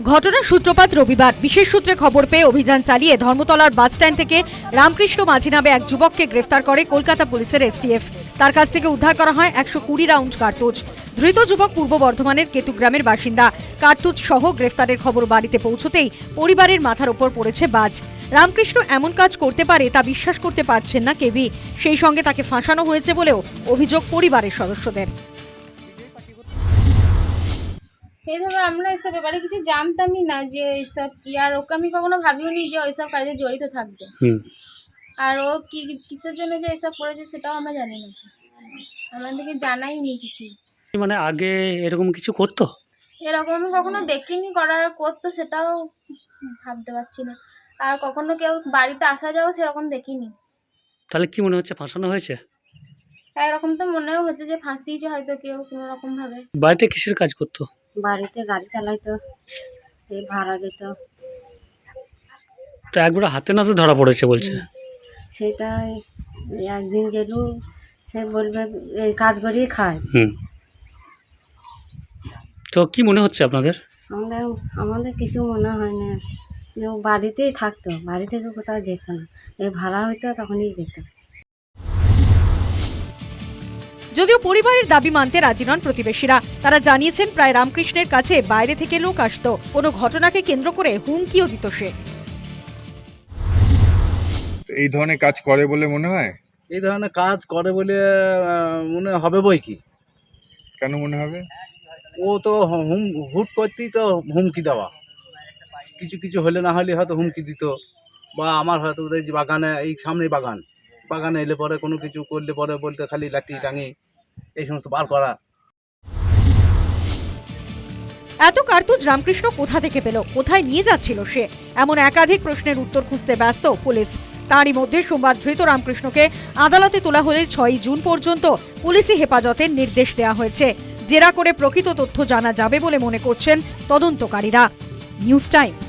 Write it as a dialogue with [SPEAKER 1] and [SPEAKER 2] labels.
[SPEAKER 1] ঘটনার সূত্রপাত রবিবার। বিশেষ সূত্রে খবর পেয়ে অভিযান চালিয়ে ধর্মতলার বাসস্ট্যান্ড থেকে রামকৃষ্ণ মাঝি নামে এক যুবককে গ্রেফতার করে কলকাতা পুলিশের এসটিএফ। তার কাছ থেকে উদ্ধার করা হয় 120 রাউন্ড কার্তুজ। ধৃত যুবক পূর্ব বর্ধমানের কেতুগ্রামের বাসিন্দা। কার্তুজ সহ গ্রেফতারের খবর বাড়িতে পৌঁছতেই পরিবারের মাথার ওপর পড়েছে বাজ। রামকৃষ্ণ এমন কাজ করতে পারে তা বিশ্বাস করতে পারছেন না কেউই। সেই সঙ্গে তাকে ফাঁসানো হয়েছে বলেও অভিযোগ পরিবারের সদস্যদের।
[SPEAKER 2] এইভাবে আমরা এসব ব্যাপারে কিছু জানতামই না যে এইসব কি, আর ওকে আমি কখনো ভাবিওনি যে ওইসব কাজে জড়িত থাকবে। আর ও কি কিসের জন্য যে এসব করেছে সেটাও আমরা জানি না, আমাদেরকে জানাইনি কিছু।
[SPEAKER 3] মানে আগে এরকম কিছু করতো?
[SPEAKER 2] এরকম আমি কখনো দেখিনি, করার করতো সেটাও ভাবতে পারছি না। আর কখনো কেউ বাড়িতে আসা যাওয়া সেরকম দেখিনি।
[SPEAKER 3] তাহলে কি মনে হচ্ছে ফাঁসানো হয়েছে?
[SPEAKER 2] এরকম তো মনেও হচ্ছে যে ফাঁসিয়েছে হয়তো কেউ কোনো রকম ভাবে।
[SPEAKER 3] বাড়িতে কিসের কাজ করতো?
[SPEAKER 4] বাড়িতে গাড়ি চালাইতো, এই ভাড়া দিত।
[SPEAKER 3] তো একবার হাতে নাতে ধরা পড়েছে বলছে।
[SPEAKER 4] সেটাই একদিন যেলু সে বলবে এই কাজ করেই খায়।
[SPEAKER 3] তো কি মনে হচ্ছে আপনাদের?
[SPEAKER 4] আমাদের কিছু মনে হয় না, ও বাড়িতেই থাকতো, বাড়ি থেকে কোথাও যেত না। এই ভাড়া হইতো তখনই যেত।
[SPEAKER 1] যদিও পরিবারের দাবি মানতে রাজি নন প্রতিবেশীরা। তারা জানিয়েছেন প্রায় রামকৃষ্ণের কাছে বাইরে থেকে লোক আসতো, কোনো ঘটনাকে কেন্দ্র করে হুমকিও দিত সে।
[SPEAKER 5] এই ধরনের কাজ করে বলে মনে হয়?
[SPEAKER 6] এই ধরনের কাজ করে বলে মনে হবে বই কি।
[SPEAKER 5] কেন মনে হবে?
[SPEAKER 6] ও তো হুট করতেই তো হুমকি দেওয়া, কিছু কিছু হলে না হলে হয়তো হুমকি দিত। বা আমার হয়তো ওদের যে বাগানে, এই সামনে বাগানে এলে পরে কোনো কিছু করলে পরে বলতে খালি লাঠি টাঙি এই সমস্ত বার করা।
[SPEAKER 1] এত কার্তুজ রামকৃষ্ণ কোথা থেকে পেল, কোথায় নিয়ে যাচ্ছিল সে, এমন একাধিক প্রশ্নের উত্তর খুঁজতে ব্যস্ত পুলিশ। তারই মধ্যে সোমবার ধৃত রামকৃষ্ণকে আদালতে তোলা হলে 6 জুন পর্যন্ত পুলিশি হেফাজতের নির্দেশ দেওয়া হয়েছে। জেরা করে প্রকৃত তথ্য জানা যাবে বলে মনে করছেন তদন্তকারীরা। News time.